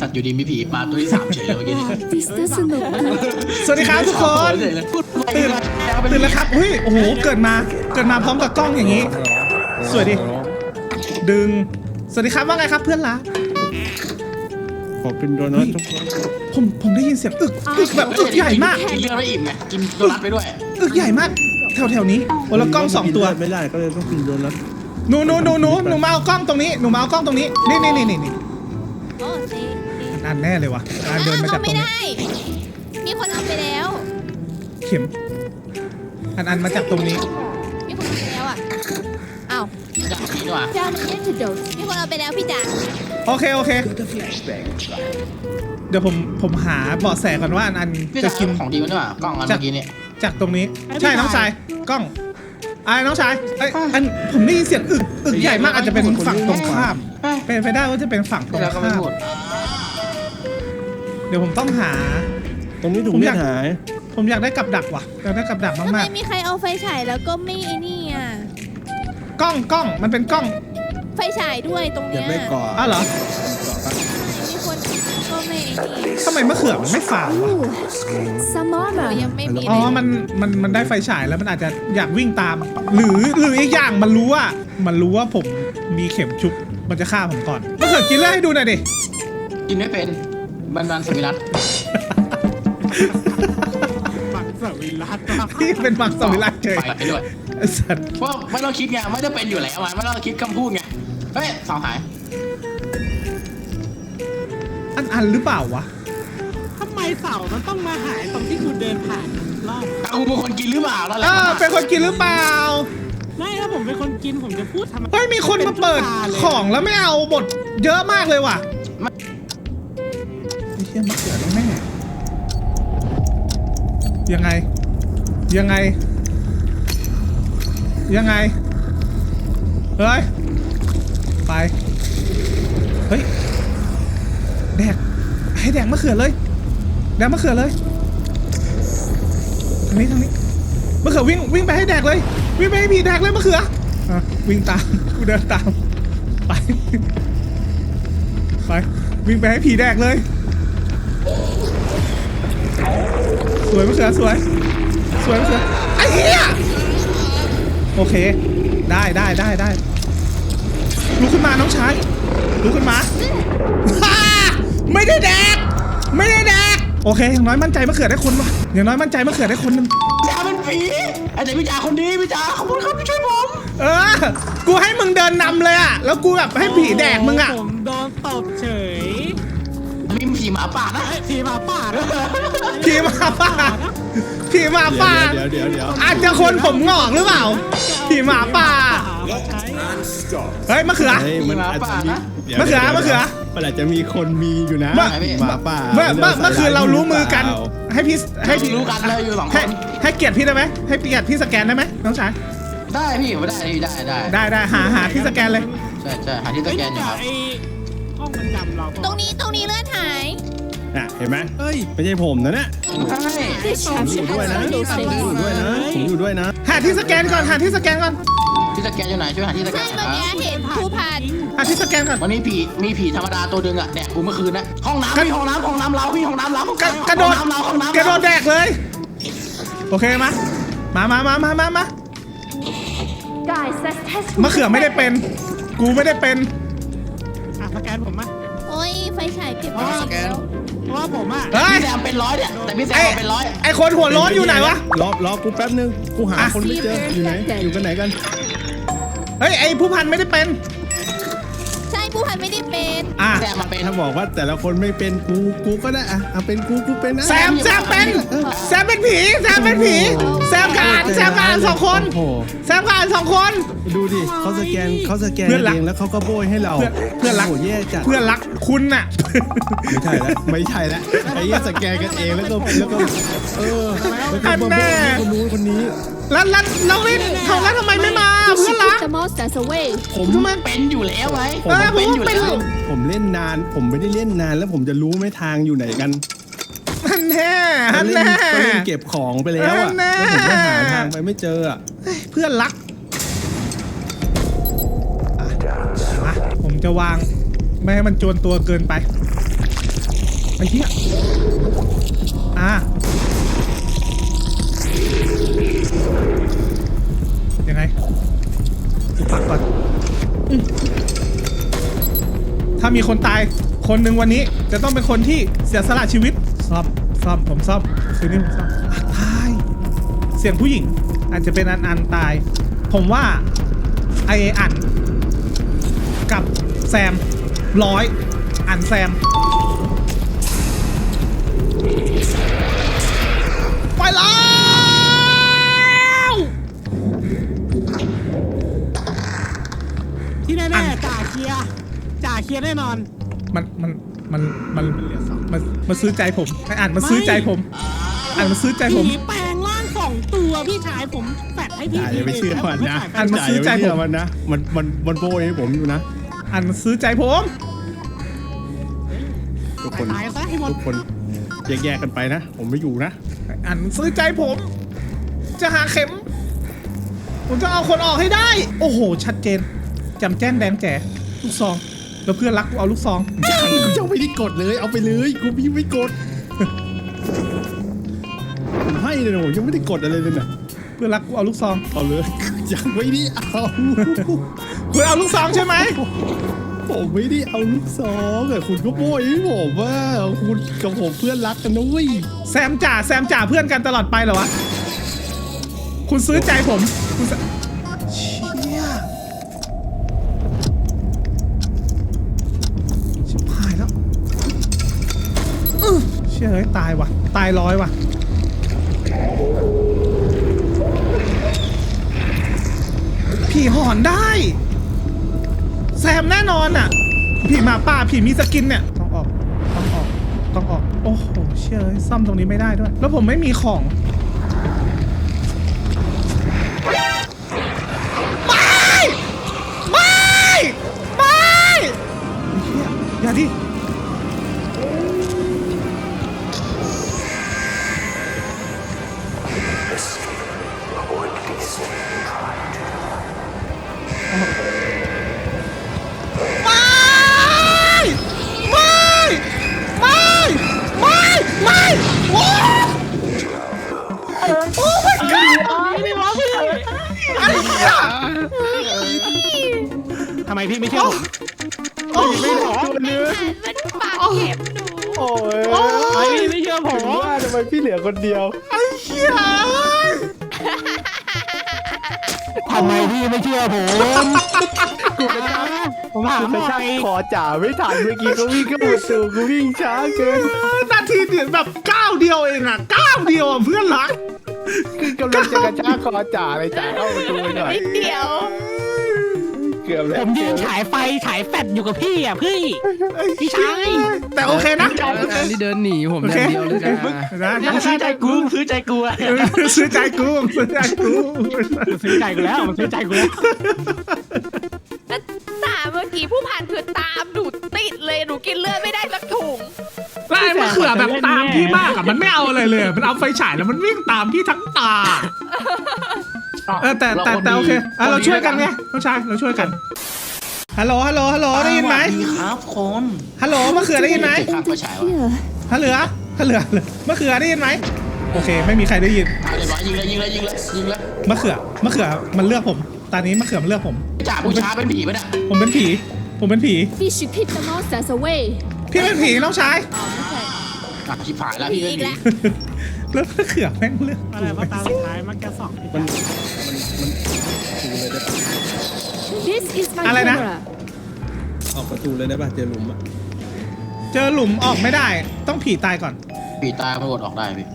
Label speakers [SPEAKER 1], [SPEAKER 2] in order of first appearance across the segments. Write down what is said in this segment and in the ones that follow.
[SPEAKER 1] สัตว์อยู่ดีมีผีมาตัวที่3เฉยเลยเมื่อกี้นี่
[SPEAKER 2] สนุก
[SPEAKER 3] สวัสดีครับทุกคนตื่นแล้วครับอุ้ยโอ้โหเกิดมาพร้อมกับกล้องอย่างนี้สวยดิดึงสวัสดีครับว่าไงครับเพื่อนรัก
[SPEAKER 4] ขอเป็นโดนัททุกคน
[SPEAKER 3] ผมได้ยินเสียงอึกแบบอึกใหญ่มาก
[SPEAKER 1] กินเลือดไม่อิ่มไงกินโดนัทไปด้วย
[SPEAKER 3] อึกใหญ่มากแถวนี้โอ้แล้วกล้อง2ตัว
[SPEAKER 4] ไม่ได้ก็เลยต้องกินโดนัท
[SPEAKER 3] หนูมาเอากล้องตรงนี้นี่
[SPEAKER 2] โอ้ดี
[SPEAKER 3] อันแน่เลยวะอันเดินมาจากตรง
[SPEAKER 2] ไม่
[SPEAKER 3] นี้
[SPEAKER 2] ได้ มีคนเอาไปแล้ว
[SPEAKER 3] เข็มอันมาจากตรงนี้
[SPEAKER 2] มีคนเอาไปแล้วอ่ะอ้าว
[SPEAKER 1] อยากกินว่ะ
[SPEAKER 2] Down antidote มีคนเอาไปแล้วพี่จ๋า
[SPEAKER 3] โอเคเดี๋ยวผมหาเบาะแสก่อนว่าอัน
[SPEAKER 1] พี่
[SPEAKER 3] จะ
[SPEAKER 1] จะ
[SPEAKER 3] กิ
[SPEAKER 1] กิ
[SPEAKER 3] น
[SPEAKER 1] นของดีมันด้วยว่ะกล้องอันเมื่อกี้เนี่ย
[SPEAKER 3] จากตรงนี้ใช่น้องชายกล้องน้องชายอันผมได้ยินเสียงอึกใหญ่มากอาจจะเป็นฝั่งตรงข้ามเป็นไปได้ว่าจะเป็นฝั่งตรง
[SPEAKER 1] แล้วก็ไม่
[SPEAKER 3] ข้าม
[SPEAKER 1] พูด
[SPEAKER 3] เดี๋ยวผมต้องหา
[SPEAKER 4] ตรงนี้ถุงเลือดหาย
[SPEAKER 3] ผมอยากได้กับดักว่ะอยากได้กับดัก
[SPEAKER 2] ทำไม
[SPEAKER 3] มาก
[SPEAKER 2] มีใครเอาไฟฉายแล้วก็ไม่ไอ้นี่อ่ะ
[SPEAKER 3] ๆกล้องมันเป็นกล้อง
[SPEAKER 2] ไฟฉายด้วยตรง
[SPEAKER 4] อย่า
[SPEAKER 2] เนี้ย
[SPEAKER 4] ไปก่อ
[SPEAKER 3] อ้าวเหรอ
[SPEAKER 2] มีคนก็ไม่ไอ้นี่
[SPEAKER 3] ทำไมมะเขือมันไม่ฝาดวะ
[SPEAKER 2] หนูยังไม่มี
[SPEAKER 3] อ๋อ
[SPEAKER 2] เลย
[SPEAKER 3] มันได้ไฟฉายแล้วมันอาจจะอยากวิ่งตาม หรืออีกอย่างมันรู้ว่าผมมีเข็มชุบมันจะฆ่าผมก่อนมะเขือกินเลือดให้ดูหน่อยดิ
[SPEAKER 1] กินไม่เป็นบันสมิรัต
[SPEAKER 4] ปักสวิรัต
[SPEAKER 3] ที่เป็นมังสวิรัติเฉย
[SPEAKER 1] ไปด้วย
[SPEAKER 3] ไอ้สัตว์
[SPEAKER 1] ว่าไม่ต้องคิดไงไม่ได้เป็นอยู่แล้วไม่ต้องคิดคำพูดไงเฮ้ยสาวหาย
[SPEAKER 3] อันหรือเปล่าวะ
[SPEAKER 5] ทำไมเสามันต้องมาหายตรงที่คุณเดินผ่านรอบ
[SPEAKER 1] กูเป็นคนกินหรือเปล่านั่นแหละ
[SPEAKER 3] เป็นคนกินหรือเปล่า
[SPEAKER 5] ไม่ถ้าผมเป็นคนกินผมจะพูดทำไม
[SPEAKER 3] เฮ้ยมีคนมาเปิดของแล้วไม่เอาหมดเยอะมากเลยว่ะไอ้เหี้ยมะเขือแน่ๆยังไงเฮ้ยไปเฮ้ยให้แดกมะเขือเลยทางนี้มะเขือวิ่งไปให้แดกเลยวิ่งไปให้ผีแดกเลยมะเขือวิ่งตามกูเดินตามไปวิ่งไปให้ผีแดกเลยสวยมะเขือสวยมะเขือไอ้เหี้ยโอเคได้ลุกขึ้นมาน้องชายลุกขึ้นมาไม่ได้แดกโอเคอย่างน้อยมั่นใจมะเขือได้คนวะอย่างน้อยมั่นใจมะเขือได้คนนึง
[SPEAKER 1] จ่าเป็นผีไอ้เด็กพี่จ่าคนดีพี่จ่าขอบคุณครับที่ช่วยผม
[SPEAKER 3] กูให้มึงเดินนำเลยอะแล้วกูแบบให้ผีแดกมึงอะ
[SPEAKER 5] ผมโดนตบเฉย
[SPEAKER 1] มีผีหมาป่านะ
[SPEAKER 5] ไอ้ทีหมาป่านะ
[SPEAKER 3] ผีหมาป่า
[SPEAKER 4] เดี๋ยว
[SPEAKER 3] อาจจะคนผมงอกหรือเปล่าผีหมาป่า
[SPEAKER 5] ก็ใช้
[SPEAKER 3] เฮ้ยมะเขือ
[SPEAKER 4] มันอาจจะมี
[SPEAKER 3] มะเขือ
[SPEAKER 4] มันอาจจะมีคนมีอยู่นะหมาป่า
[SPEAKER 3] เมื่อคืนเรารู้มือกันให้พี่
[SPEAKER 1] รู้กันเลยอยู่2 คน
[SPEAKER 3] ให้เกียรติพี่ได้ไหมให้เกียรติพี่สแกนได้ไหมน้องชาย
[SPEAKER 1] ได้พี่ไม่ได้พี่ได้
[SPEAKER 3] หาที่สแกนเลย
[SPEAKER 1] ใช่หาที่สแกนอยู่ครับ
[SPEAKER 5] ไอ้ห้องมันจำเรา
[SPEAKER 2] ตรงนี้เลือดหาย
[SPEAKER 4] เห็นไหมไม่ใช่ผมนะเนี่ย ผมอยู่ด้วยนะ
[SPEAKER 3] หาที่สแกนก่อน
[SPEAKER 1] ที่สแกนอยู่ไหนช่วยหาที่สแก
[SPEAKER 2] ใช่
[SPEAKER 1] น
[SPEAKER 2] เมื่อกี้เห็นผู้พัน
[SPEAKER 3] หาที่สแกนก่อน
[SPEAKER 1] วันนี้มีผีธรรมดาตัวดึงอ่ะเนี่ยกูเมื่อคืนนะห้องน้ำห้องน้ำเราพี่ห้องน้ำเรา
[SPEAKER 3] กระโดด
[SPEAKER 1] ห้องน้ำ
[SPEAKER 3] กระโดดแดกเลยโอเคมาะเขือไม่ได้เป็นกูไม่ได้เป็น
[SPEAKER 5] สแกนผมมั้ย
[SPEAKER 2] โอ้ยไฟฉายเก็บไว้แล้ว
[SPEAKER 5] เพราะว่าผมอ่ะ
[SPEAKER 3] เฮ้ย
[SPEAKER 1] พี่แซมเป็น100เนี่ยแต่พี่แซมเป็น100
[SPEAKER 3] ไอคนหัวร้อนอยู่ไหนวะ
[SPEAKER 4] รอกูแป๊บนึงกูหาคนไม่เจออยู่ไหนอยู่กันไหนกัน
[SPEAKER 3] เฮ้ยไอผู้พันไม่ได้เป็น
[SPEAKER 2] ใช่ผู้พันไม่ได้เป็น
[SPEAKER 1] แซมมาเป็น
[SPEAKER 4] ถ้าบอกว่าแต่ละคนไม่เป็นกูก็ได้เป็นกูเป็นนะ
[SPEAKER 3] แซมเป็นผีแซมกับอ่าน2 คน
[SPEAKER 4] โอ้โห
[SPEAKER 3] แซมกับอ่าน2 คน
[SPEAKER 4] ดูดิเขาสแกนเองแล้วเขาก็โบยให้เรา
[SPEAKER 3] เพื่อนรัก
[SPEAKER 4] โโหแย่จัด
[SPEAKER 3] เพื่อนรักคุณน่ะ
[SPEAKER 4] ไม่ใช่แล้วไอ้เหี้ยสแกนกันเองแล้วก็แล้วก็มาโบยคนนู้นคนนี้
[SPEAKER 3] แล้ววินเขาแล้วทำไมไม่มาเพื่อนรัก
[SPEAKER 4] ผม
[SPEAKER 3] ทำไม
[SPEAKER 1] เป็นอยู่แล้วไว้
[SPEAKER 3] ผมว่าเป็น
[SPEAKER 4] ผมเล่นนานผมไม่ได้เล่นนานแล้วผมจะรู้ไหมทางอยู่ไหนกัน
[SPEAKER 3] ฮันแน่
[SPEAKER 4] ก็เล่นเก็บของไปแล้วอ่ะแล้วผมก็หาทางไปไม่เจออ่ะ
[SPEAKER 3] เพื่อนรักมาผมจะวางไม่ให้มันจวนตัวเกินไปอ้เหี้ยยังไงดูปักก่อนถ้ามีคนตายคนหนึ่งวันนี้จะต้องเป็นคนที่เสียสละชีวิตซ่อมผมซ่อมคืนนี้ผมซ่อมตายเสียงผู้หญิงอาจจะเป็นอันตายผมว่าไออันกับแซมอันแซมไปแล้ว
[SPEAKER 5] ที่แน่ๆจ่าเคลียร์แน่นอน
[SPEAKER 3] มันซื้อใจผมไออันมันซื้อใจผมมันซื้อใจผม
[SPEAKER 5] ผีแปลงร่าง2 ตัวพี่ชายผมแฟดให้พี่
[SPEAKER 4] อย่าไปเชื่อมันนะ
[SPEAKER 3] อันมันซื้อใจผม
[SPEAKER 4] มันนะมันโบยให้ผมอยู่นะ
[SPEAKER 3] อันมันซื้อใจผม
[SPEAKER 4] ทุกคน
[SPEAKER 5] ตายซะให้หมด
[SPEAKER 4] ทุกคนแยกกันไปนะ ผมไม่อยู่นะ
[SPEAKER 3] อันมันซื้อใจผมจะหาเข็มผมจะเอาคนออกให้ได้โอ้โหชัดเจนจำแจ้นแดงแจ๋ลูกซองแล้วเพื่อนรักกูเอาลูกซอง
[SPEAKER 4] ยังไม่ได้กดเลยเอาไปเลยกูไม่กดผมให้เลยนะผมยังไม่ได้กดอะไรเลยนะ
[SPEAKER 3] เพื่อนรักกูเอาลูกซอง
[SPEAKER 4] เอาเลยยังไม่ได้เอา
[SPEAKER 3] คุณเอาลูกซองใช่ไหม
[SPEAKER 4] ผมไม่ได้เอาลูกซองแต่คุณก็โบยให้ผมว่าคุณกับผมเพื่อนรักกันนะเว้ย
[SPEAKER 3] แซมจ่าเพื่อนกันตลอดไปเหรอวะคุณซื้อใจผมคุณเชี่ยชิบหายแล้วเชี่ยเฮ้ยตายว่ะตาย100ว่ะผีหอนได้แซมแน่นอนอ่ะผีหมาป่าผีมีสกินเนี่ยต้องออกโอ้โหเชี่ยเฮ้ยซ่อมตรงนี้ไม่ได้ด้วยแล้วผมไม่มีของไม่เชี่ยอย่าดิ
[SPEAKER 5] ทำไมพี่ไม่เชื่อผม
[SPEAKER 2] มันปากเข็มหนู
[SPEAKER 4] โอ้ย
[SPEAKER 5] ไอ้พี่ไม่เชื่อผม
[SPEAKER 4] ว่าทำไมพี่เหลือคนเดียว
[SPEAKER 3] ไอ้เหี้ย
[SPEAKER 5] ทำไมพี่ไม่เชื่อผมผมถามหน่อย
[SPEAKER 4] ขอจ่าไม่ทันเมื่อกี้ก็วิ่งเข้าประตูกูวิ่งช้าเกิน
[SPEAKER 3] นาทีเดียวแบบก้าวเดียวเองอ่ะก้าวเดียวอ่ะเพื่อนรัก
[SPEAKER 4] คือกำลังจะกระชากคอจ่าเลยจ่าเข้าประตูหน่อย
[SPEAKER 2] นิดเดียว
[SPEAKER 4] เกือบแล้ว
[SPEAKER 5] ผมยืนฉายไฟฉายแฟดอยู่กับพี่อ่ะพี่ชาย
[SPEAKER 3] แต่โอเคนะ
[SPEAKER 6] การที่เดินหนีผม
[SPEAKER 3] โอ
[SPEAKER 6] อ
[SPEAKER 3] เค
[SPEAKER 6] ย่างเดียวเลยนะ
[SPEAKER 3] นะ
[SPEAKER 5] ซื้อใจกูซื้อใจกูอะ
[SPEAKER 3] ซื้อใจกู
[SPEAKER 5] ซื้อใจกูแล้วมันซื้อใจกูแล้ว
[SPEAKER 2] แล้วตาเมื่อกี้ผู้พันคือตามหนูติดเลยหนูกินเลือดไม่ได้สักถุง
[SPEAKER 3] ไล่มะเขือแบบตามพี่มากอ่ะมันไม่เอาอะไรเลยมันเอาไฟฉายแล้วมันวิ่งตามพี่ทั้งตาแต่โอเคเราช่วยกันไงน้องชายเราช่วยกันฮัลโหลได้ยินไหม
[SPEAKER 1] ดีครับคน
[SPEAKER 3] ฮัลโหลมะเขือได้ยินไหม
[SPEAKER 1] ข้ามไฟฉายวะ
[SPEAKER 3] ฮัลเหลือมะเขือได้ยินไหมโอเคไม่มีใครได้ยิน
[SPEAKER 1] เอาเลยบอยิงเลย
[SPEAKER 3] มะเขือมันเลือกผมตอนนี้มะเขือมันเลือกผม
[SPEAKER 1] จ่าผู้ช้าเป็นผีปะเนี่ย
[SPEAKER 3] ผมเป็นผี
[SPEAKER 7] We should keep the monsters away.
[SPEAKER 3] พี่เป็นผีน้องชาย
[SPEAKER 7] อ๋อไม่ใช่
[SPEAKER 1] ชิบหายแล้วพี่เป็น
[SPEAKER 2] อีก
[SPEAKER 1] ผี
[SPEAKER 2] แล้ว
[SPEAKER 3] แล้วมะเขือแม่งเลือก
[SPEAKER 5] อะไรว่าตาสุดท้ายมันแกสอง
[SPEAKER 7] This is my
[SPEAKER 3] อะไรนะ
[SPEAKER 7] camera.
[SPEAKER 4] ออกประตูเลยได้ป่ะเจอหลุมอ่ะ
[SPEAKER 3] เจอหลุมออกไม่ได้ต้องผีตายก่อน
[SPEAKER 1] ผีตายไม่กดออกได้พี่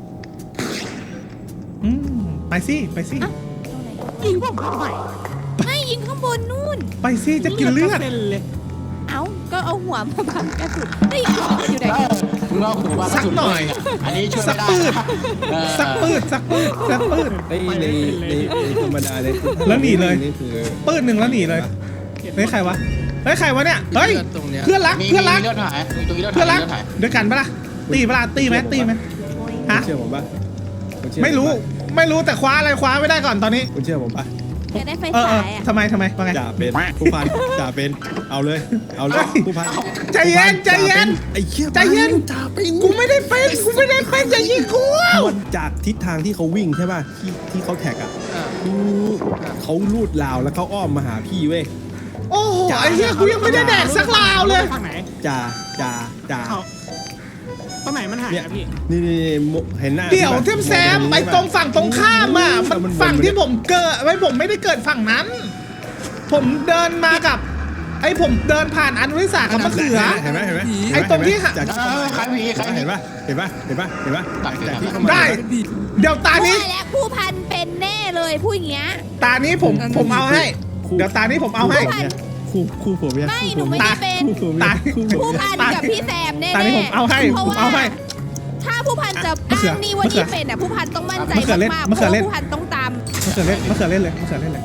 [SPEAKER 3] ไปสิ
[SPEAKER 5] ยิงผมทำไม
[SPEAKER 2] ไม่ยิงข้างบนนู่น
[SPEAKER 3] ไปสิจะกินเลือด
[SPEAKER 5] เป็นเลย
[SPEAKER 2] เอ้าก็เอาหัวมาบังกระสุนเฮ้ยอยู่ไหน
[SPEAKER 1] มึงเอาหัวมา
[SPEAKER 3] สักหน่อย
[SPEAKER 1] อันนี้ช่วย
[SPEAKER 3] สั
[SPEAKER 1] ไม่
[SPEAKER 3] ก
[SPEAKER 1] ได้
[SPEAKER 3] ปืด
[SPEAKER 1] เออ
[SPEAKER 3] สักปืด
[SPEAKER 4] ในธรรมดาเลย
[SPEAKER 3] แล้วหนีเลย
[SPEAKER 4] นี่คือ
[SPEAKER 3] ปืดหนึ่งแล้วหนีเลยเฮ้ยใครวะเนี่ยเฮ้ย
[SPEAKER 6] ตรงเนี้ย
[SPEAKER 3] เพื่อนรัก
[SPEAKER 1] มี
[SPEAKER 3] เพื่อนรัก
[SPEAKER 1] เลือดหายมีตรงนี้เลือด
[SPEAKER 3] เพื่อนรั
[SPEAKER 1] หาก ยเลือดหาย
[SPEAKER 3] ด้วยกันปะล่ะตีไหมฮะ
[SPEAKER 4] เชื่อผมป่ะ
[SPEAKER 3] ไม่รู้แต่คว้าอะไรคว้าไม่ได้ก่อนตอนนี้
[SPEAKER 4] คุณเชื่อผมป่ะ
[SPEAKER 2] อยากได้ไฟ
[SPEAKER 3] เออ
[SPEAKER 2] ฉายอ่ะ
[SPEAKER 3] ทำไมว่าไง
[SPEAKER 4] จ่าเป็นผู้พันจ่าเป็นเอาเลยผู้พัน
[SPEAKER 3] ใจเย็นใจเย็น
[SPEAKER 4] ไอ้เชี่ย
[SPEAKER 3] ใจเย็น
[SPEAKER 4] จ่าเป็น
[SPEAKER 3] กูไม่ได้เป็นอย่ายิงกู
[SPEAKER 4] มันจากทิศทางที่เขาวิ่งใช่ป่ะที่เขาแท็กอ่ะเขาลูดราวแล้วเขาอ้อมมาหาพี่เว้ย
[SPEAKER 3] โอ้โหไอ้เหี้ยกูยังไม่ได้แดกสักลาวเลย
[SPEAKER 5] ทางไหน
[SPEAKER 4] จ่า
[SPEAKER 5] เขาตรงไหนมันหาย
[SPEAKER 4] เนี่ย
[SPEAKER 5] อะพี่
[SPEAKER 4] นี่เห็นหน้า
[SPEAKER 3] เดี๋ยวเทียมแซมไปตรงฝั่งตรงข้ามอ่ะมันฝั่งที่ผมเกิดไว้ผมไม่ได้เกิดฝั่งนั้น ผมเดินมากับผมเดินผ่านอันวิสากับมะเขือ
[SPEAKER 4] เห็นไหม
[SPEAKER 3] ไอ้ตรงที่
[SPEAKER 4] จาก
[SPEAKER 1] ใครผีใครผี
[SPEAKER 4] เห็นป่ะจากที่เขามา
[SPEAKER 3] ได้ เดี๋ยวตานี้
[SPEAKER 2] ว่าแล้วผู้พันเป็นแน่เลยพูดอย่างเงี้ย
[SPEAKER 3] ตานี้ผมเอาให้ เดี๋ยวตานี้ผมเอาให้
[SPEAKER 4] คู่ผัวเมีย
[SPEAKER 2] ไม่หนูไม่ได้เป็น
[SPEAKER 3] ตา
[SPEAKER 2] ผู้พันกับพี่แซมแน่ๆ
[SPEAKER 3] ตานี้ผมเอาให้
[SPEAKER 2] เพราะ
[SPEAKER 3] ผม
[SPEAKER 2] ว่า
[SPEAKER 3] เอาให้
[SPEAKER 2] ถ้าผู้พันจะ
[SPEAKER 3] มะเขือ
[SPEAKER 2] อ้างนี่ว่านี่เป็นอ่ะผู้พันต้องมั่นใจ
[SPEAKER 3] มะเขือเล่น
[SPEAKER 2] มากๆ
[SPEAKER 3] มะ
[SPEAKER 2] เพ
[SPEAKER 3] เขือ
[SPEAKER 2] ราะ
[SPEAKER 3] เล่น
[SPEAKER 2] ผู้พันต้องตาม
[SPEAKER 3] มะเขือเล่นเลย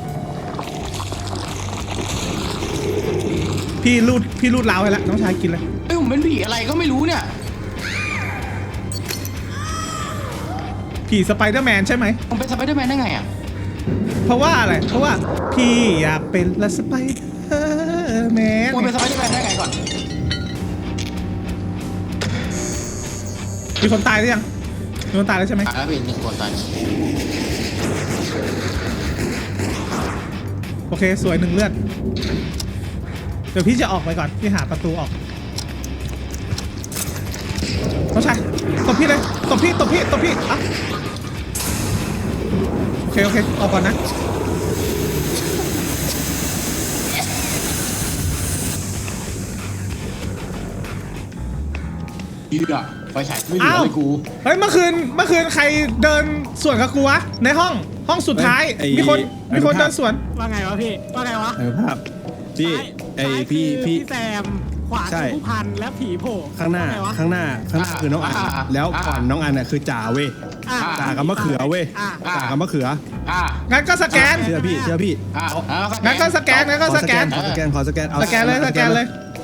[SPEAKER 3] พี่รูดลาวให้แล้วน้องชายกินเลย
[SPEAKER 1] เอ้ยผมเป็นผีอะไรก็ไม่รู้เนี่ย
[SPEAKER 3] ผีสไปเดอร์แมนใช่ไหม
[SPEAKER 1] ผมเป็นสไปเดอร์แมนได้ไงอ่ะ
[SPEAKER 3] เพราะว่าอะไรเพราะว่าพี่อยากเป็นละสไปเดอร์แมน
[SPEAKER 1] ผมเป็นสไปเดอร์แมนได้ไงก่อน
[SPEAKER 3] มีคนตายหรือยังมีคนตายแล้วใช่ไหม
[SPEAKER 1] ตายแล้วเป็นหนึ่งคนตาย
[SPEAKER 3] โอเคสวย1 เลือดเดี๋ยวพี่จะออกไปก่อนพี่หาประตูออกน้องชายตบพี่เลยตบพี่อ่ะโอเคออกก่อนนะ
[SPEAKER 1] ยืดอ่ะไฟฉายไม่เหลือเลยกู
[SPEAKER 3] เฮ้ยเมื่อคืนใครเดินสวนกับกูวะในห้องสุดท้ายมีคนเดินสวน
[SPEAKER 5] ว่าไงวะพี่ว่าไงวะ
[SPEAKER 4] ภาพพี่ไอ
[SPEAKER 5] ซ้าย
[SPEAKER 4] พี่
[SPEAKER 5] คือแซมขวา
[SPEAKER 4] ใช่
[SPEAKER 5] คือผู้พันและผีโผล่
[SPEAKER 4] ข้างหน้า
[SPEAKER 5] ว่ไวะ
[SPEAKER 4] คือน้องอันแล้วก่อนน้องอันน่ะคือจ่าเว้ย
[SPEAKER 5] อ่ะ
[SPEAKER 4] จ่ากับมะเขือเว้ย
[SPEAKER 5] อ่ะ
[SPEAKER 4] จ่ากับมะเขือ
[SPEAKER 3] งั้นก็สแกน
[SPEAKER 4] เชื่อพี่
[SPEAKER 3] งั้นก็สแกน
[SPEAKER 4] ขอสแกนเอา
[SPEAKER 3] สแกนเลยสแกน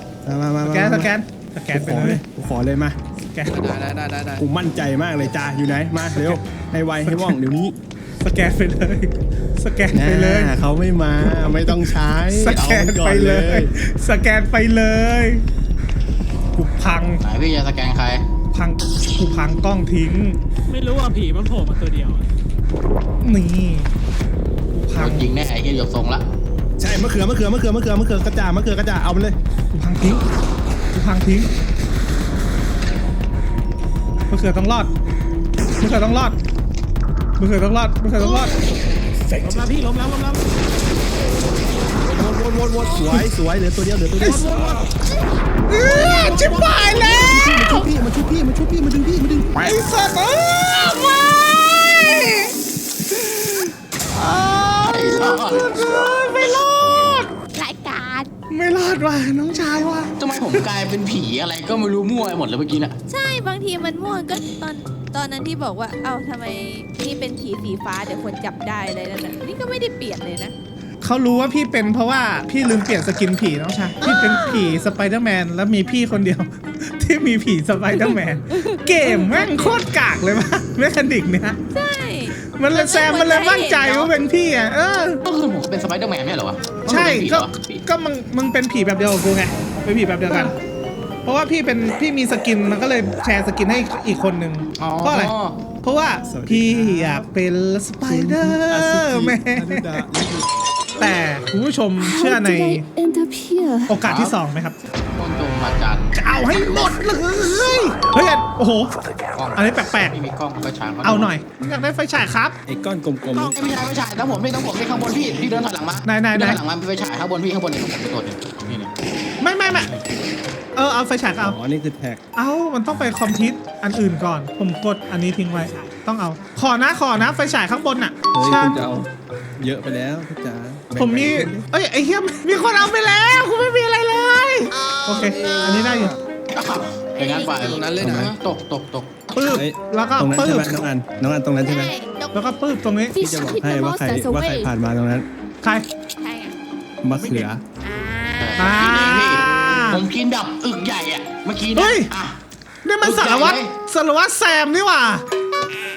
[SPEAKER 3] ไปเลย
[SPEAKER 4] กูขอเลยมา
[SPEAKER 3] สแกน
[SPEAKER 6] ได้
[SPEAKER 4] กูมั่นใจมากเลยจ่าอยู่ไหนมาเร็วให้ไวให้ว่องเดี๋ยวนี้
[SPEAKER 3] สแกนไปเลยสแกนไปเลย
[SPEAKER 4] เขาไม่มาไม่ต้องใช้
[SPEAKER 3] สแกนไปเลยสแกนไปเลยกูพัง
[SPEAKER 1] ไหนพี่จะสแกนใคร
[SPEAKER 3] กูพังกล้องทิ้ง
[SPEAKER 5] ไม่รู้ว่าผีมันโผล่มาตัวเดียวอะ
[SPEAKER 3] นี่กูพั
[SPEAKER 1] โด
[SPEAKER 3] ง
[SPEAKER 1] นยิงแน่ไอ้เหี้ยหยกทรงละ
[SPEAKER 4] ใช่มะเขือกระจ่ามะเขือกระจ่าเอาไปเลย
[SPEAKER 3] กูพังทิ้งมะเขือต้องรอดมะเขือต้องรอด
[SPEAKER 5] ล้มแล้วพี่ล้มแล้ว
[SPEAKER 4] วนสวยเหลือตัวเดียว
[SPEAKER 3] ชิบหายแล้ว
[SPEAKER 4] มาชุบพี่มาดึงพี่มาดึง
[SPEAKER 3] ไอ้สัตว์ไม่
[SPEAKER 1] ไอ้สัส
[SPEAKER 3] ไม่รอด
[SPEAKER 2] รายการ
[SPEAKER 3] ไม่รอดว่ะน้องชายว่ะ
[SPEAKER 1] ทำไมผมกลายเป็นผีอะไรก็ไม่รู้มั่วไปหมดเลยเมื่อกี้น่ะ
[SPEAKER 2] ใช่บางทีมันม่วงก็ตอนนั้นที่บอกว่าเอ้าทำไมนี่เป็นผีสีฟ้าเดี๋ยวคนจับได้เลยนั่นน่ะนี่ก็ไม่ได้เปลี่ยนเลยนะ
[SPEAKER 3] เขารู้ว่าพี่เป็นเพราะว่าพี่ลืมเปลี่ยนสกินผีน้องชายพี่เป็นผีสไปเดอร์แมนแล้วมีพี่คนเดียว ที่มีผีสไปเดอร์แมนเกมแม่งโคตรกากเลยว่ะเมคานิกเนี่ย
[SPEAKER 2] ใช่
[SPEAKER 3] มันเลยแซมมันเลยมั่นใจว่าเป็นพี่อ่ะ
[SPEAKER 1] ก็คือผมเป็นสไปเดอร์แมนไม่ใช่เหรอวะ
[SPEAKER 3] ใช่
[SPEAKER 1] ก็
[SPEAKER 3] ก็มึงเป็นผีแบบเดียวกับกูไงเป็นผีแบบเดียวกัน เพราะว่าพี่มีสกินมันก็เลยแชร์สกินให้อีกคนนึงเพราะอะไรเพราะว่าพี่อยากเป็นสไปเดอร์แมนแต่คุณผู้ชมเชื่อ
[SPEAKER 7] How
[SPEAKER 3] ใน
[SPEAKER 7] did I end up here?
[SPEAKER 3] โอกาสที่2ไหมครับ
[SPEAKER 1] ต้นจงมาจัน
[SPEAKER 3] จะเอาให้หมดเลยเฮ้ยโอ้โห
[SPEAKER 1] กล้อง
[SPEAKER 3] อันนี้แปลก
[SPEAKER 1] ไม่มีกล้องก็ช้าง
[SPEAKER 3] ๆเอาหน่อยอยากได้ไฟฉายครับ
[SPEAKER 4] ไอ้ก้อนกลม
[SPEAKER 1] ไม่ใช่ทั้งผมนี่ข้างบนพี่เดินถอยหลังมา
[SPEAKER 3] ไหน
[SPEAKER 1] เดินถอยหลังมาไฟฉายข้างบนพี่ข้างบนเนี่ยผมไปตัวหนึงนี่
[SPEAKER 3] ไม่เอาไฟฉายก็เอา
[SPEAKER 4] อ๋อนี่คือแท็ก
[SPEAKER 3] มันต้องไปคอมพิวต์อันอื่นก่อนผมกดอันนี้ทิ้งไว้ต้องเอาขอนะไฟฉายข้างบนน่ะ
[SPEAKER 4] เฮ้ย
[SPEAKER 3] ใช่
[SPEAKER 4] คุณจะเอาเยอะไปแล้วพี่จ๋า
[SPEAKER 3] ผมมีไอ้เหี้ยมีคนเอาไปแล้วคุณไม่มีอะไรเลยโอเคอันนี้ได้อยู่
[SPEAKER 1] อย่างนั้นไปตก
[SPEAKER 3] ปื้บแล้วก็
[SPEAKER 4] ตรงนั้น
[SPEAKER 3] ปื้
[SPEAKER 4] ใช่
[SPEAKER 3] บ
[SPEAKER 4] ไหมน้องอันตรงนั้นใช่ไหม
[SPEAKER 2] ใช่
[SPEAKER 3] แล้วก็ปื้บตรงนี้
[SPEAKER 4] พี่
[SPEAKER 7] Fish
[SPEAKER 4] จะบอก
[SPEAKER 7] keep
[SPEAKER 4] ให้
[SPEAKER 7] the
[SPEAKER 4] ว่าใคร
[SPEAKER 7] monsters
[SPEAKER 4] ว่าใคร
[SPEAKER 7] away.
[SPEAKER 4] ผ่านมาตรงนั้น
[SPEAKER 3] ใคร
[SPEAKER 2] ใช่ไง
[SPEAKER 4] มะเขือ
[SPEAKER 2] อ่า
[SPEAKER 1] ผมกินแบบอึกใหญ่อะเมื่อกี้
[SPEAKER 3] เฮ้
[SPEAKER 1] นะ
[SPEAKER 3] ย นี่มันสารวัตรแซมนี่หว่า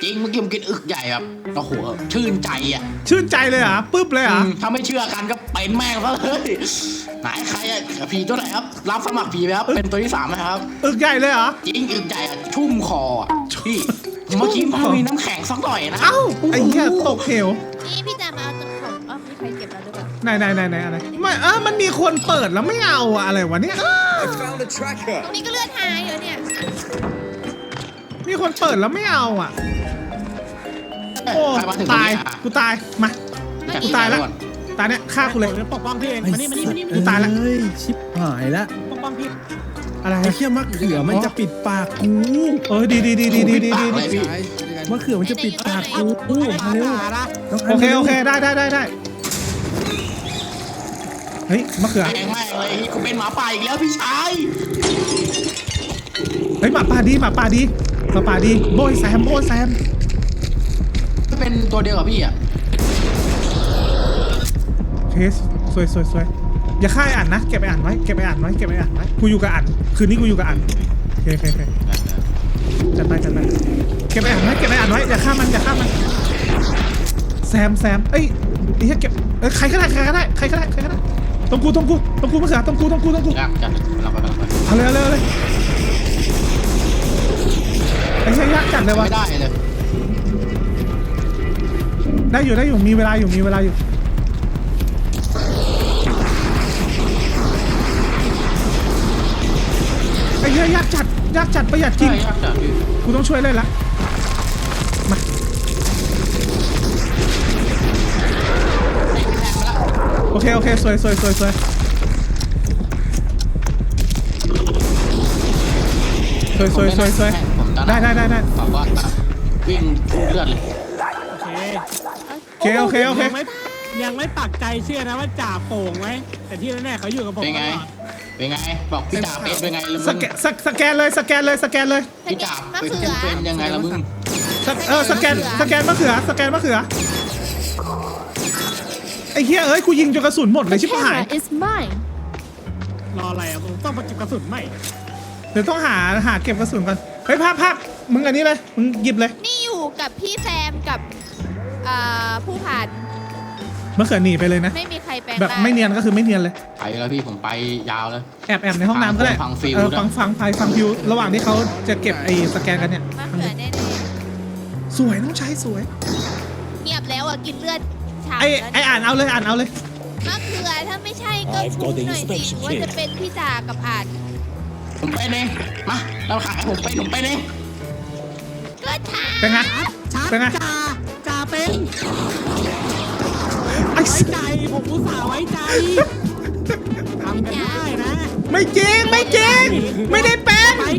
[SPEAKER 1] จริงเมื่อกี้ผมกินอึกใหญ่แบบโอ้โหชื่นใจอ่ะ
[SPEAKER 3] ชื่นใจเลยเหรอปึ๊บเลยเหรอ
[SPEAKER 1] ถ้าไม่เชื่อกันก็เป็นแม่งซะเลยไหนใครอ่ะผีตัวไหนครับรับสมัครผีไหมครับเป็นตัวที่3ไหมครับ
[SPEAKER 3] อึกใหญ่เลยเหรอ
[SPEAKER 1] จริงอึกใหญ่อะชุ่มคออ่ะพี่เมื่อกี้มันมีน้ำแข็งสักหน่อยนะ
[SPEAKER 3] เอ้าไอ้เหี้ยตกเหว
[SPEAKER 2] นี่พี่จะมาเอาตัวของมีใครเก็บแล้วหรือเปล่า
[SPEAKER 3] ไหนอะไรไม่มันมีคนเปิดแล้วไม่เอาอะอะไรวะเนี่ย
[SPEAKER 2] ตรงนี้ก็เลือดหายเหรอเนี่ย
[SPEAKER 3] มีคนเปิดแล้วไม่เอาอ่ะโอ้
[SPEAKER 1] ใครมาถึง
[SPEAKER 3] ตาย
[SPEAKER 1] ตรงนี้อ่ะ
[SPEAKER 3] กูตายมา
[SPEAKER 1] แต่
[SPEAKER 3] กูตายแล้ว
[SPEAKER 1] ก่อน
[SPEAKER 3] ตายเนี่ยฆ่ากูเลย
[SPEAKER 5] ผมจะปกป้องพี่เองมานี่
[SPEAKER 3] กูตายละ
[SPEAKER 4] เฮ้ยชิบหายละ
[SPEAKER 5] ปกป้องพี่
[SPEAKER 3] อะไร
[SPEAKER 4] ไอ้เขี้ยมะเขือมันจะปิดปากกู
[SPEAKER 3] เออดี
[SPEAKER 1] ปากเลยพี่
[SPEAKER 4] มะเขือมันจะปิดปากกูมาเร็วน้งน
[SPEAKER 3] โอเค
[SPEAKER 4] ร็ว
[SPEAKER 3] โอเคได้เฮ้ยมะเขือ
[SPEAKER 1] แม่งเลยกูเป็นหมาป่าอีกแล้วพี่ชาย
[SPEAKER 3] เฮ้ยหมาป่าดีโบยแซม
[SPEAKER 1] เป็นตัวเดียวกับพี่อ่ะ
[SPEAKER 3] โอเคสวยอย่าฆ่าไอ้อ่านนะเก็บไอ้อ่านไว้กูอยู่กับอ่านคืนนี้กูอยู่กับอ่านโอเคจัดไปเก็บไอ้อ่านไว้อย่าฆ่ามันแซมเอ้ยไอ้เหี้ยเก็บใครก็ได้ตรงกูมะเขือตรงกู
[SPEAKER 1] ยากจัดเราไป
[SPEAKER 3] เอาเลยไอ้เหี้ยยากจัดเลยวะ
[SPEAKER 1] ไม่ได้เลย
[SPEAKER 3] ได้อยู่มีเวลาอยู่ไอ้เหี้ยยากจัดประหยัดจริง
[SPEAKER 1] ใช่ยากจัดพี่
[SPEAKER 3] กูต้องช่วยเล่นละมาโอเคสวย
[SPEAKER 1] ผมตอน
[SPEAKER 3] ได้
[SPEAKER 1] นั้นบอกว่าวิ่งเลือดเลย
[SPEAKER 5] โอเค
[SPEAKER 3] โอเค
[SPEAKER 5] ยังไม่ปักใจเชื่อนะว่าจ่าโป่งไหมแต่ที่แน่ๆเขาอยู่กับผม
[SPEAKER 1] เป็นไง
[SPEAKER 5] ตลอด
[SPEAKER 1] บอกพี่จ่าเป็นไงละ
[SPEAKER 3] ส
[SPEAKER 1] มึง
[SPEAKER 3] แกนเลย
[SPEAKER 1] พี่จ่าเป็นยังไงละมึง
[SPEAKER 3] สแกนมะเขือไอ้เหี้ยเอ้ยกูยิงจนกระสุนหมดเลย
[SPEAKER 7] The
[SPEAKER 3] ชิบหาย
[SPEAKER 7] camera is mine.
[SPEAKER 5] รออะไรอ่ะผมต้องมาเก็บกระสุนใหม่
[SPEAKER 3] เดี๋ยวต้องหาเก็บกระสุนก่อนเฮ้ยภาพมึงอันนี้เลยมึงหยิบเลย
[SPEAKER 2] นี่อยู่กับพี่แซมกับผู้ผ่าน
[SPEAKER 3] มะเขือหนีไปเลยนะ
[SPEAKER 2] ไม่มีใครแปลง
[SPEAKER 3] แบบ
[SPEAKER 2] ร่าง
[SPEAKER 3] ไม่เนียนก็คือไม่เนียนเลย
[SPEAKER 1] ไปแล้วพี่ผมไปยาวเลย
[SPEAKER 3] แอบในห้องน้ำก็ได้
[SPEAKER 1] ฟังฟิล
[SPEAKER 3] ฟังฟิวระหว่างที่เขาจะเก็บไอ้สแกนกันเนี่ย
[SPEAKER 2] มะเขือแน่
[SPEAKER 3] สวยน้องชายสวย
[SPEAKER 2] ๆเงียบแล้วอ่ะกินเลือดฉ่ำ
[SPEAKER 3] ไอ้
[SPEAKER 2] แล้ว
[SPEAKER 3] ไอ้อ่านเอาเลย
[SPEAKER 2] มะเขือถ้าไม่ใช่ก็พูดหน่อยสิว่าจะเป็นพี่จ่ากับอาจ
[SPEAKER 1] ผมเป็นเองมาเราขายผมเป็นเอง
[SPEAKER 2] ก็ช้า
[SPEAKER 3] เป็นไง
[SPEAKER 5] ชัด
[SPEAKER 3] เป็นไง
[SPEAKER 5] จ่าเป็น
[SPEAKER 3] ไอ้
[SPEAKER 5] ไว้ใจผมอุตส่าห์ไว้ใจทำกันได้นะ
[SPEAKER 3] ไม่จริงไม่ได้เป็น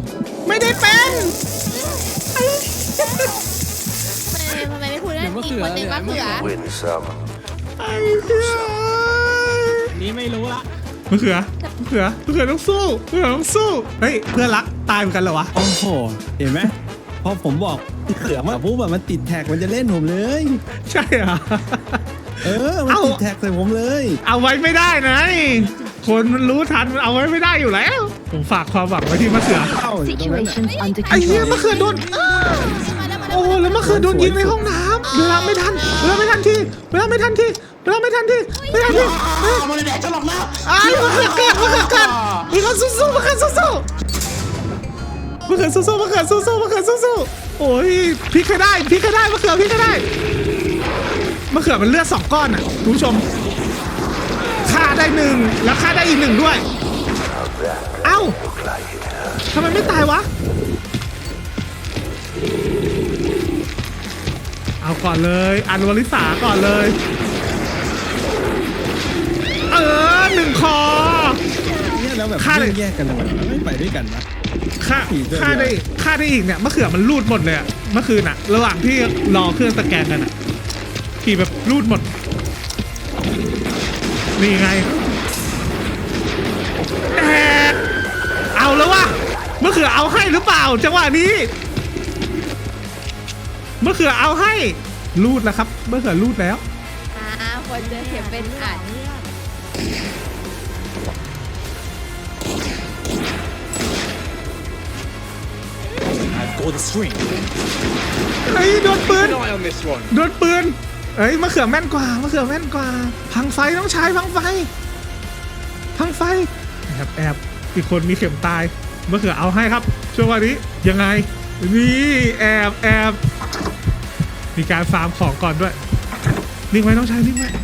[SPEAKER 2] ทำไมไม่พูดนะอีกคนหนึ่งมะเขือ
[SPEAKER 3] ไอ้เหี้ย
[SPEAKER 5] อันนี้ไม่รู้ละ
[SPEAKER 3] มะเขือต้องสู้เฮ้ยเพื่อนรักตายเหมือนกันเหรอวะ
[SPEAKER 4] โอ้โหเห็นไหมพอผมบอกเขือมาปุ๊บแบบมันติดแท็กมันจะเล่นผมเลย
[SPEAKER 3] ใช่เหรอ
[SPEAKER 4] มันติดแท็กใส่ผมเลย
[SPEAKER 3] เอาไว้ไม่ได้นะนี่คนมันรู้ทันมันเอาไว้ไม่ได้อยู่แล้ว ผมฝากความหวังไว้ที่มะเขือ
[SPEAKER 4] เข้าอยู่ตรงนั้นน่ะ
[SPEAKER 7] Situation's under
[SPEAKER 3] ไอ้เหี้ย
[SPEAKER 7] control.
[SPEAKER 3] มะเขือโดน โอ้แล้วมะเขือโดนยิงในห้องน้ำเวลาไม่ทันที
[SPEAKER 1] มาเลยแดกจะหลอกนะ
[SPEAKER 3] อ้าวมะเขือเกิดมีคนสู้มะเขือสู้โอ้ยพลิกให้ได้มะเขือมันเลือด2ก้อนอ่ะคุณผู้ชมฆ่าได้1แล้วฆ่าได้อีก1ด้วยเอ้าทำไมไม่ตายวะเอาก่อนเลยอันวลิสาก่อนเลย1 คอ
[SPEAKER 4] เนี่ยแล้วแบบ
[SPEAKER 3] ฆ่าเลย
[SPEAKER 4] แยกกันทำไมไม่ไปด้วยกันวะ
[SPEAKER 3] ฆ่าได้อีกเนี่ยมะเขือมันรูดหมดเลยอะเมื่อคืนอะระหว่างที่รอเครื่องสแกนกันอะขี่แบบรูดหมดนี่ไงเอาแล้ววะมะเขือเอาให้หรือเปล่าจังหวะนี้มะเขือเอาให้รูดแล้วครับมะเขือรูดแล้ว
[SPEAKER 2] คนเจอเข็มเป็นอาจ
[SPEAKER 1] ไ
[SPEAKER 3] เฮ้ยโดนปืนโดนปืนเอ้ยมะเขือแม่นกว่ามะเขือแม่นกว่าพังไฟต้องใช้พังไฟแอบอีกคนมีเข็มตายมะเขือเอาให้ครับช่วงวันนี้ยังไงนี่แอบมีการฟาร์มของก่อนด้วยนิ่งไว้ต้องใช้นิ่งไว้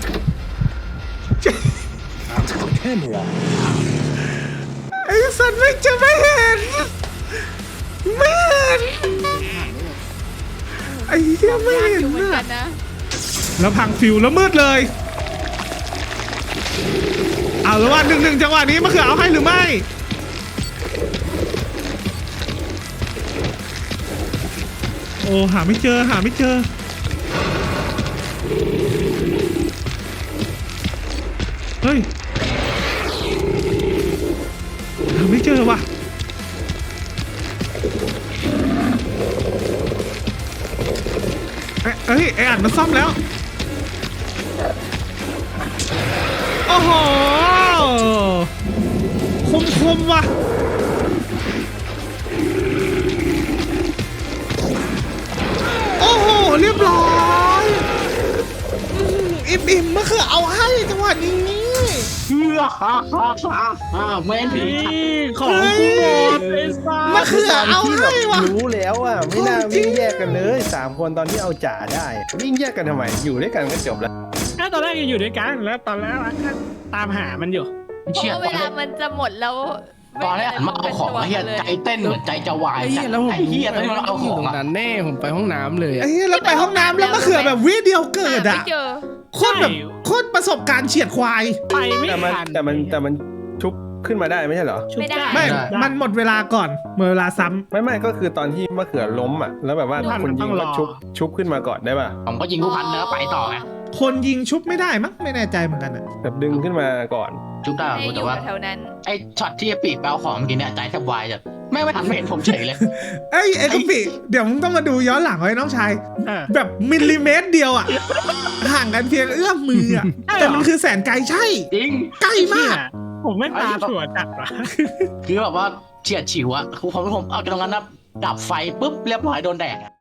[SPEAKER 3] ไอ้สัตว์ไม่จะไม่เห็นไอ้เหี้ยไม่เห็น
[SPEAKER 2] อยู่เหมือนกั
[SPEAKER 3] นะ
[SPEAKER 2] นนะ
[SPEAKER 3] แล้วพังฟิวแล้วมืดเลยเอาแล้วว่า1-1จังหวะนี้มะเขือเอาให้หรือไม่โอ้หาไม่เจอเฮ้ยหาไม่เจอว่ะเอ้ยไอ้อัดมาซ่อมแล้วโอ้โหคมว่ะโอ้โหเรียบร้อยอิ่มมะเขือเอาให้จังหวะนี้
[SPEAKER 1] เมนผี
[SPEAKER 5] นี่ของกูหมดไอ้สัส
[SPEAKER 3] มะเขือเอาให้ว่ะ
[SPEAKER 8] รู้แล้วอ่ะไม่น่าวิ่งแยกกันเลย3 คนตอนที่เอาจ่าได้วิ่งแยกกันทำไมอยู่ด้วยกันก็จบแล้ว
[SPEAKER 5] ถ้าตอนแรกยังอยู่ด้วยกันแล้วตอนแรกตามหามันอยู่
[SPEAKER 2] เพ
[SPEAKER 1] เชี่ย
[SPEAKER 2] ราะเวลามันจะหมดแล้ว
[SPEAKER 1] ตอนแรกหันมาเอาของเฮียใจเต้นเหมือนใจจะวาย
[SPEAKER 6] ไอ้เหี้ยแล้วผม
[SPEAKER 1] ไอ้เฮียตอนนี้มันเอาของ
[SPEAKER 6] ตรง
[SPEAKER 1] อะ
[SPEAKER 6] นั้นแน่ผมไปห้องน้ำเลย
[SPEAKER 3] ไอ้เหี้ยแล้วไปห้องน้ำแล้วมะเขือแบบวิเดียวเกิด
[SPEAKER 2] ไม่
[SPEAKER 3] อ่ะ
[SPEAKER 2] เจอ
[SPEAKER 3] โคตรแบบโคตรประสบการณ์เฉียดควาย
[SPEAKER 5] ไปไม่
[SPEAKER 8] แต่มัน
[SPEAKER 5] ทัน
[SPEAKER 8] แต่มันชุบขึ้นมาได้ไม่ใช่เหรอ
[SPEAKER 2] ไม่ได้
[SPEAKER 3] ไม่มันหมดเวลาก่อนหมดเวลาซ้ำ
[SPEAKER 8] ไม่ก็คือตอนที่มะเขือล้มอ่ะแล้วแบบว่าคนยิงก็ชุบขึ้นมาก่อนได้ป่ะ
[SPEAKER 1] ผมก็ยิงผู้พันแล้วไปต่อไง
[SPEAKER 3] คนยิงชุบไม่ได้มั้งไม่แน่ใจเหมือนกันอ่ะ
[SPEAKER 8] แบบดึงขึ้นมาก่อน
[SPEAKER 1] จุ๊บได้
[SPEAKER 2] ไม่อ
[SPEAKER 1] แต่
[SPEAKER 2] ยู่
[SPEAKER 1] ว่า
[SPEAKER 2] แถวนั้น
[SPEAKER 1] ไอ้ช็อตที่ปีกแปลของเมื่อกี้เนี่ยใจแทบวายจะไม่ทันเห็นผมเฉยเลย
[SPEAKER 3] ไอ้กะปิเดี๋ยวมึงต้องมาดูย้อนหลังไว้น้องชาย
[SPEAKER 5] เออ
[SPEAKER 3] แบบมิลลิเมตรเดียวอ่ะห่างกันเพียงเอื้อมมืออ่ะ
[SPEAKER 5] ใช่เหรอ
[SPEAKER 3] แต่มันคือแสนไกลใช่
[SPEAKER 1] จริง
[SPEAKER 3] ใกล้มาก
[SPEAKER 5] ผมไม่ตาถั่วจัดว่ะ
[SPEAKER 1] คือแบบว่าเฉียดฉิวอะผมเอาตรงนั้นนะดับไฟปุ๊บเรียบร้อยโดนแดกอะ